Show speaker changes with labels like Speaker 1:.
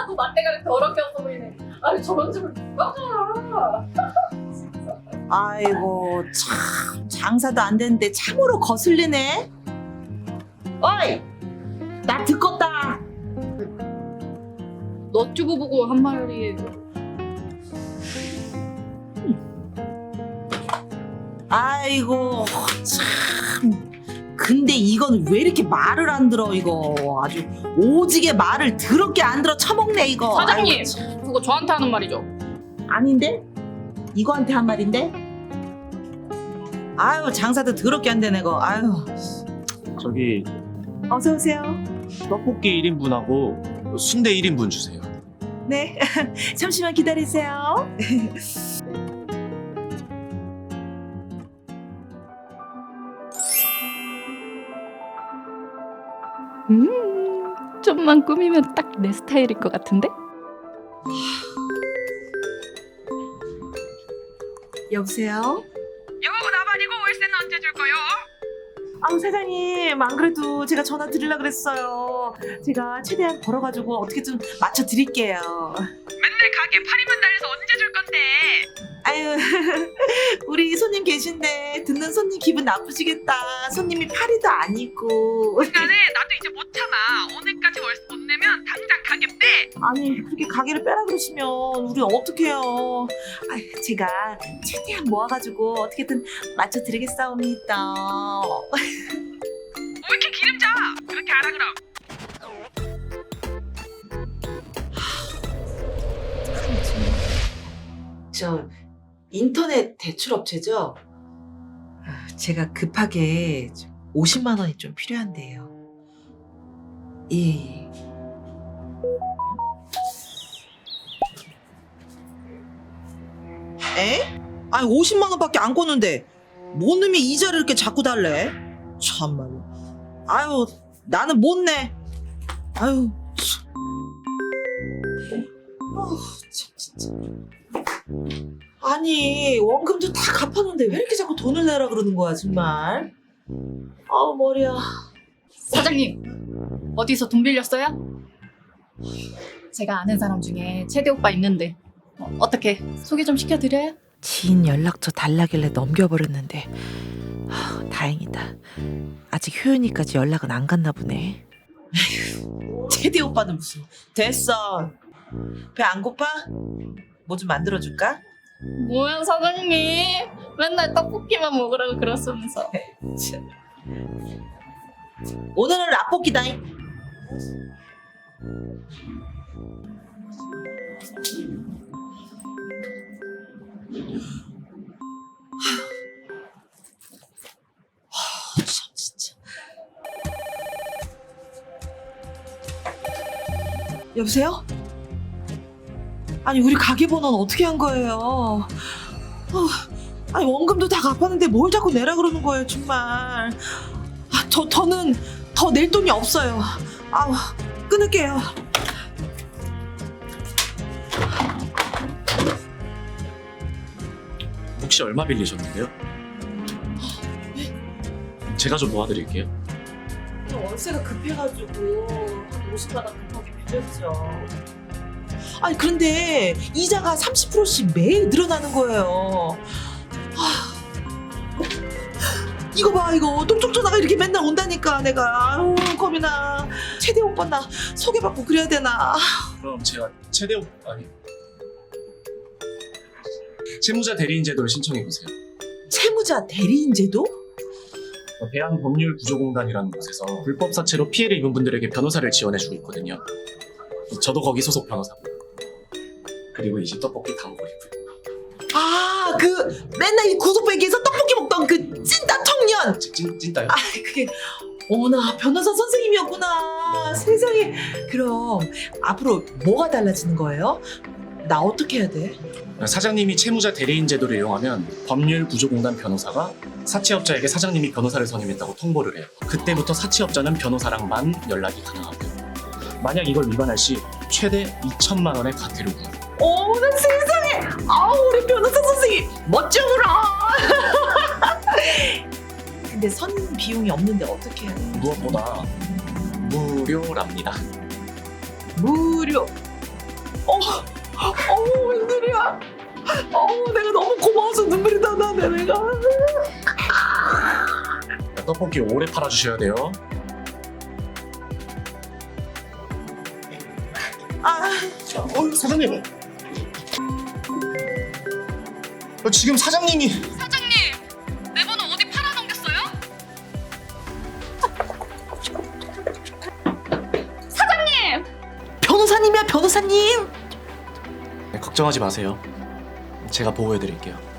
Speaker 1: 하나도 맛대가리 더럽게 없어 보이네. 아니 저런 집을 누가 가? 진짜.
Speaker 2: 아이고 참 장사도 안 되는데 참으로 거슬리네. 어이 나 듣겄다.
Speaker 1: 너튜브 보고 한 말이에요.
Speaker 2: 아이고 참 근데 이건 왜 이렇게 말을 안 들어. 이거 아주 오지게 말을 더럽게 안 들어 처먹네 이거.
Speaker 1: 사장님
Speaker 2: 아이고, 참.
Speaker 1: 그거 저한테 하는 말이죠.
Speaker 2: 아닌데? 이거한테 한 말인데? 아유 장사도 더럽게 안 되네 이거. 아유
Speaker 3: 저기
Speaker 2: 어서 오세요.
Speaker 3: 떡볶이 1인분하고 순대 1인분 주세요.
Speaker 2: 네 잠시만 기다리세요.
Speaker 1: 좀만 꾸미면 딱 내 스타일일 것 같은데?
Speaker 2: 여보세요?
Speaker 4: 여보 나발이고 월세는 언제 줄 거요?
Speaker 2: 아우 사장님 안 그래도 제가 전화 드리려고 그랬어요. 제가 최대한 벌어가지고 어떻게 좀 맞춰 드릴게요.
Speaker 4: 맨날 가게 파리만 달려서 언제 줄 건데?
Speaker 2: 아유 우리 손님 계신데 듣는 손님 기분 나쁘시겠다. 손님이 파리도 아니고.
Speaker 4: 시간에 나도 이제 못 참아. 오늘까지 월세 못 내면 당장 가게 빼.
Speaker 2: 아니 그렇게 가게를 빼라 그러시면 우리 어떡해요. 제가 최대한 모아가지고 어떻게든 맞춰 드리겠사옵니다.
Speaker 4: 왜 이렇게 기름져? 그렇게 알아 그럼.
Speaker 2: 저 인터넷 대출업체죠? 제가 급하게 50만 원이 좀 필요한데요. 예. 에? 아니 50만 원밖에 안 꿨는데 뭔 놈이 이자를 이렇게 자꾸 달래? 참말로. 아유 나는 못 내. 아유 참. 참 진짜. 아니 원금도 다 갚았는데 왜 이렇게 자꾸 돈을 내라 그러는 거야 정말. 아우 머리야.
Speaker 1: 사장님 어디서 돈 빌렸어요? 제가 아는 사람 중에 채대 오빠 있는데 어떻게 소개 좀 시켜드려요?
Speaker 2: 지인 연락처 달라길래 넘겨버렸는데 다행이다. 아직 효연이까지 연락은 안 갔나 보네. 채대 오빠는 무슨. 됐어. 배 안 고파? 뭐 좀 만들어줄까?
Speaker 1: 뭐야 사장님 맨날 떡볶이만 먹으라고 그러면서.
Speaker 2: 오늘은 라볶이다. 참 진짜. 여보세요? 아니 우리 가게 번호는 어떻게 한 거예요? 아니 원금도 다 갚았는데 뭘 자꾸 내라 그러는 거예요 정말. 저는 더 낼 돈이 없어요. 아우 끊을게요.
Speaker 3: 혹시 얼마 빌리셨는데요? 제가 좀 도와드릴게요.
Speaker 2: 월세가 급해가지고 한 50만 원 급하게 빌렸죠. 아니 그런데 이자가 30%씩 매일 늘어나는 거예요. 이거 봐 이거 똥쪽 전화가 이렇게 맨날 온다니까 내가. 아유 겁이나. 최대 오빠 나 소개받고 그래야 되나.
Speaker 3: 그럼 제가 아니 채무자 대리인 제도를 신청해 보세요.
Speaker 2: 채무자 대리인 제도?
Speaker 3: 대한법률구조공단이라는 곳에서 불법 사채로 피해를 입은 분들에게 변호사를 지원해주고 있거든요. 저도 거기 소속 변호사고요. 그리고 이 집 떡볶이 다 먹으리고요.
Speaker 2: 그 맨날 이 구석배기에서 떡볶이 먹던 그 찐따 청년.
Speaker 3: 찐따요?
Speaker 2: 그게 어머나 변호사 선생님이었구나. 세상에. 그럼 앞으로 뭐가 달라지는 거예요? 나 어떻게 해야 돼?
Speaker 3: 사장님이 채무자 대리인 제도를 이용하면 법률구조공단 변호사가 사채업자에게 사장님이 변호사를 선임했다고 통보를 해요. 그때부터 사채업자는 변호사랑만 연락이 가능하고요. 만약 이걸 위반할 시 최대 2천만 원의 과태료 부과.
Speaker 2: 어머나 세상에. 아우 우리 변호사 선생님 멋져보라. 근데 선임 비용이 없는데 어떻게 해야 돼?
Speaker 3: 무엇보다 무료랍니다.
Speaker 2: 무료. 웬일이야. 내가 너무 고마워서 눈물이 나네 내가.
Speaker 3: 떡볶이 오래 팔아주셔야 돼요.
Speaker 5: 사장님. 지금 사장님이
Speaker 4: 사장님, 내 번호 어디 팔아넘겼어요?
Speaker 2: 변호사님이야 변호사님.
Speaker 3: 네, 걱정하지 마세요. 제가 보호해드릴게요.